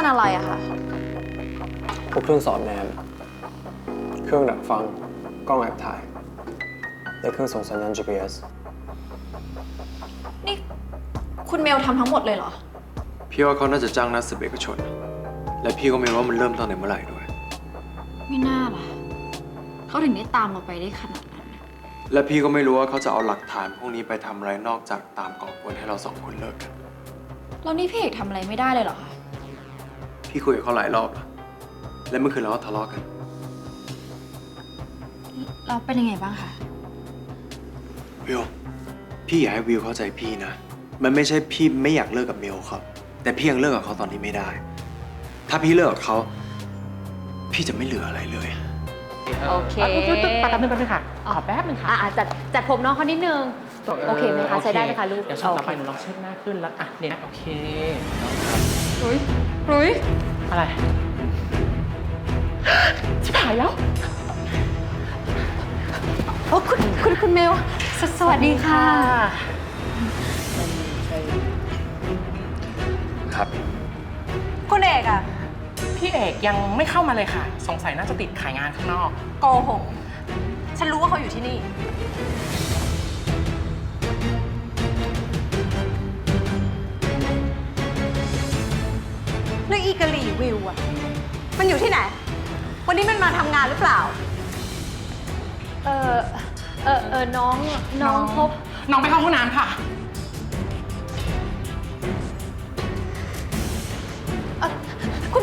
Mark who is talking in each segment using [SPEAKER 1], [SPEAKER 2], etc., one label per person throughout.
[SPEAKER 1] อะไรอะคะ
[SPEAKER 2] พวกเครื่องสอดแนมเครื่องดักฟังกล้องแอบถ่ายและเครื่องส่งสัญญาณ GPS
[SPEAKER 1] นี่คุณเมลทำทั้งหมดเลยเหรอ
[SPEAKER 3] พี่ว่าเขาน่าจะจ้างนักสืบเอกชนและพี่ก็ไม่รู้ว่ามันเริ่มตั้งแต่เมื่อไหร่ด้วย
[SPEAKER 1] ไม่น่าล่ะเขาถึงได้ตามเราไปได้ขนาดนั้น
[SPEAKER 3] และพี่ก็ไม่รู้ว่าเขาจะเอาหลักฐานพวกนี้ไปทำอะไรนอกจากตามก่อกวนให้เรา2 คนเลิกกัน
[SPEAKER 1] แล้วนี่พี่เอกทำอะไรไม่ได้เลยเหรอคะ
[SPEAKER 3] พี่คุยกับเขาหลายรอบแล้วและเมื่อคืนเราก็ทะเลาะกัน
[SPEAKER 1] เราเป็นยังไงบ้างคะ
[SPEAKER 3] วิวพี่อยากให้วิวเข้าใจพี่นะมันไม่ใช่พี่ไม่อยากเลิกกับเมลครับแต่พี่ยังเลิกกับเขาตอนนี้ไม่ได้ถ้าพี่เลิกกับเขาพี่จะไม่เหลืออะไรเลย
[SPEAKER 4] โอเค
[SPEAKER 5] แป๊บนึงค่ะขอแป๊บนึงค่ะ
[SPEAKER 4] จัดผมน้องเขานิดนึงโอเคไหมคะใช้ได้ไหมคะลูก
[SPEAKER 5] เดี๋ยวช่วงต่อไปหนูลองเช็ดหน้าขึ้นแล้วเนี่ยโอเค
[SPEAKER 1] รุ้ย
[SPEAKER 5] อะไรชิบหายแล้ว
[SPEAKER 1] โอ้คุณเมลสวัสดีค่ะ
[SPEAKER 3] ครับ
[SPEAKER 4] คุณเอกอะ
[SPEAKER 5] พี่เอกยังไม่เข้ามาเลยค่ะสงสัยน่าจะติดขายงานข้างนอก
[SPEAKER 4] โกหกฉันรู้ว่าเขาอยู่ที่นี่แล้วอีกะหรี่วิวอะมันอยู่ที่ไหนวันนี้มันมาทำงานหรือเปล่าน้องพบ
[SPEAKER 5] น้องไปเข้าห้องน้ำค่ะ
[SPEAKER 4] คุณ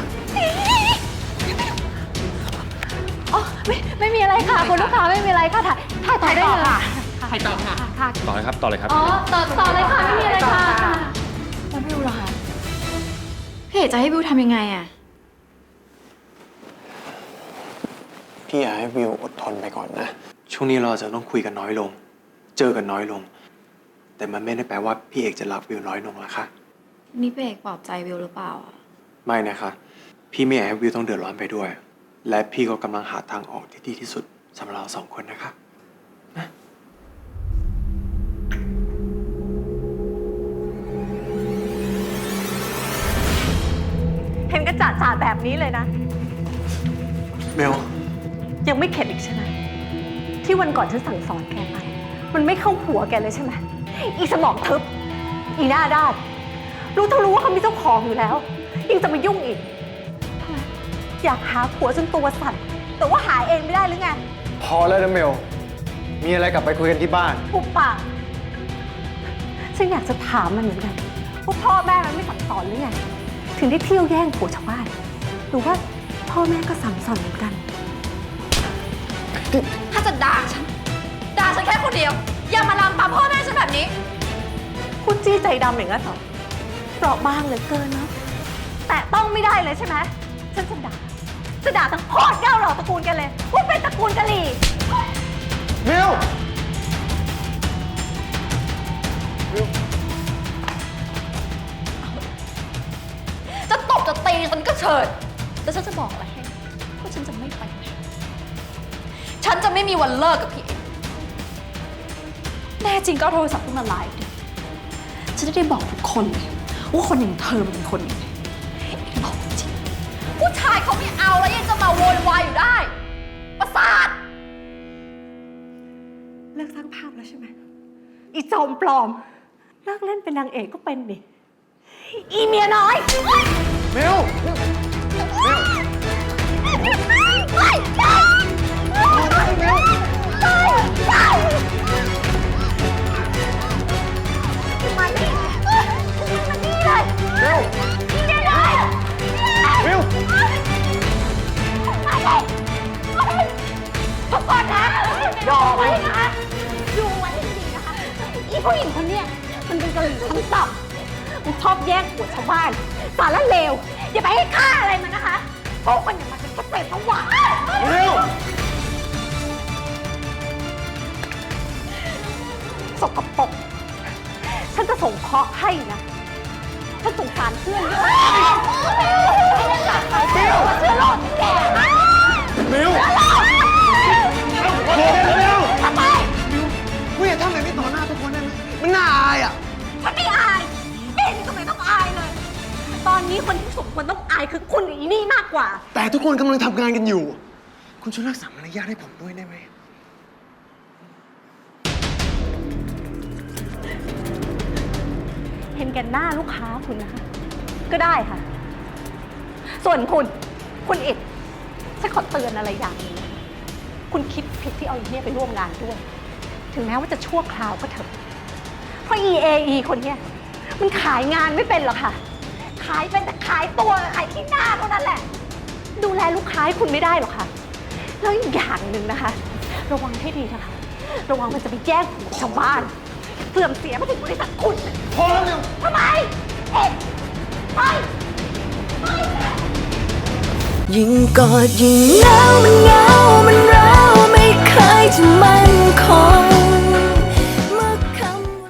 [SPEAKER 4] อ๋อไม่มีอะไรค่ะคุณลูกค้าไม่มีอะไรค่ะถ่ายได้เลย
[SPEAKER 5] ถ่ายต่อค่ะ
[SPEAKER 6] ต่อเลยครับต่อเลยครับ
[SPEAKER 4] อ๋อต่อเลยค่ะไม่มีอะไรค่ะ
[SPEAKER 1] แล้วบิวล่ะคะพี่เอกจะให้บิวทำยังไงอะ
[SPEAKER 2] พี่อยากให้วิวอดทนไปก่อนนะ
[SPEAKER 3] ช่วงนี้เราจะต้องคุยกันน้อยลงเจอกันน้อยลงแต่มันไม่ได้แปลว่าพี่เอกจะรักวิวน้อยลงนะคะ
[SPEAKER 1] นี่พี่เอกปลอบใจบิวหรือเปล่าอะ
[SPEAKER 3] ไม่นะคะพี่ไม่อยากให้วิวต้องเดือดร้อนไปด้วยและพี่ก็กำลังหาทางออกที่ดีที่สุดสำหรับเรา2 คนนะคะ
[SPEAKER 4] เห็นกระจ่าแบบนี้เลยนะ
[SPEAKER 3] เมล
[SPEAKER 4] ยังไม่เข็ดอีกใช่ไหมที่วันก่อนฉันสั่งสอนแกไปมันไม่เข้าหัวแกเลยใช่ไหมอีสมองทึบอีหน้าด้านรู้ว่าเขามีเจ้าของอยู่แล้วยังจะมายุ่งอีกทำไมอยากหาผัวจนตัวสั่นแต่ว่าหาเองไม่ได้หรือไง
[SPEAKER 2] พอแล้วนะเมลมีอะไรกลับไปคุยกันที่บ้าน
[SPEAKER 4] ปุบปากฉันอยากจะถามมันเหมือนกันว่าพ่อแม่มันไม่สั่งสอนหรือไงถึงได้เที่ยวแย่งผัวชาวบ้านหรือว่าพ่อแม่ก็สั่งสอนเหมือนกัน
[SPEAKER 1] ถ้าจะด่าฉันแค่คนเดียวอย่ามาลามปามพ่อแม่ฉันแบบนี้
[SPEAKER 4] พูดจี้ใจดำอย่างนั้นเหรอเปราะบางเหลือเกินเนาะแต่ต้องไม่ได้เลยใช่ไหมฉันจะด่าทั้งโคตรเก้าเหล่าตระกูลกันเลยว่าเป็นตระกูลกะหรี่
[SPEAKER 2] เมล
[SPEAKER 1] จะตบจะตีฉันก็เฉิดแต่ฉันจะบอกอะไรให้ว่าฉันจะไม่ไปไหนฉันจะไม่มีวันเลิกกับพี่เอกแน่จริงก็เอาโทรศัพท์ขึ้นมาไลฟ์ดิฉันจะได้บอกทุกคนเลยว่าคนอย่างเธอมันเป็นคนยังไงบอกจริงผู้ชายเขาไม่เอาแล้วยังจะมาโวยวายอยู่ได้ประสาท
[SPEAKER 4] เลิกสร้างภาพแล้วใช่ไหมอีจอมปลอมเลิกเล่นเป็นนางเอกก็เป็นดิอีเมียน้อย
[SPEAKER 2] เมล
[SPEAKER 4] มานี่เลย
[SPEAKER 2] เร็ว
[SPEAKER 4] นี่เลย
[SPEAKER 2] เร็ว
[SPEAKER 4] มาเลยทุกคนนะดูไว้นะคะดูไว้ให้ดีนะคะอีผู้หญิงคนนี้มันเป็นกะหรี่ชั้นต่ำมันชอบแย่งผัวชาวบ้านสารเลวอย่าไปให้ค่าอะไรมันนะคะพวกมันอย่างมันเป็นแค่เศษผวา
[SPEAKER 2] เร็ว
[SPEAKER 4] สกปรกฉันจะส่งเคราะห์ให้นะฉันสงสารเพื่อนด้วยเชื่อโลดแก
[SPEAKER 2] เมล
[SPEAKER 4] ทำไม
[SPEAKER 2] กูอย่าทำแบบนี้ต่อหน้าทุกคนได้ไหมมันน่าอายอ่ะ
[SPEAKER 4] ฉันไม่อายเอ็นก็ไม่ต้องอายเลยตอนนี้คนที่สมควรต้องายคือคุณอีนี่มากกว่า
[SPEAKER 3] แต่ทุกคนกำลังทำงานกันอยู่ คุณช่วยรักษามารยาทให้ผมด้วยได้ไหม
[SPEAKER 4] เห็นแก่หน้าลูกค้าคุณนะคะ ก็ได้ค่ะ ส่วนคุณอิดฉันขอเตือนอะไรอย่างหนึงนะคะคุณคิดผิดที่เอาอีเนี่ยไปร่วมงานด้วย ถึงแม้ว่าจะชั่วคราวก็เถอะ เพราะ EAE คนเนี้ยมันขายงานไม่เป็นหรอกค่ะ ขายเป็นแต่ขายตัวขายที่หน้าเท่านั้นแหละ ดูแลลูกค้าให้คุณไม่ได้หรอกค่ะ แล้วอีกอย่างหนึ่งนะคะ ระวังให้ดีนะคะ ระวังมันจะไปแย่งของชาวบ้าน เสื่อมเสียมาถึงบริษัทคุณ
[SPEAKER 3] พอแล้วเร็ว
[SPEAKER 4] ทำไม เอ็ดไป
[SPEAKER 6] ยิ่งกอดยิ่งหนาวมันเหงามันร้าวไม่เคยจะมั่นคง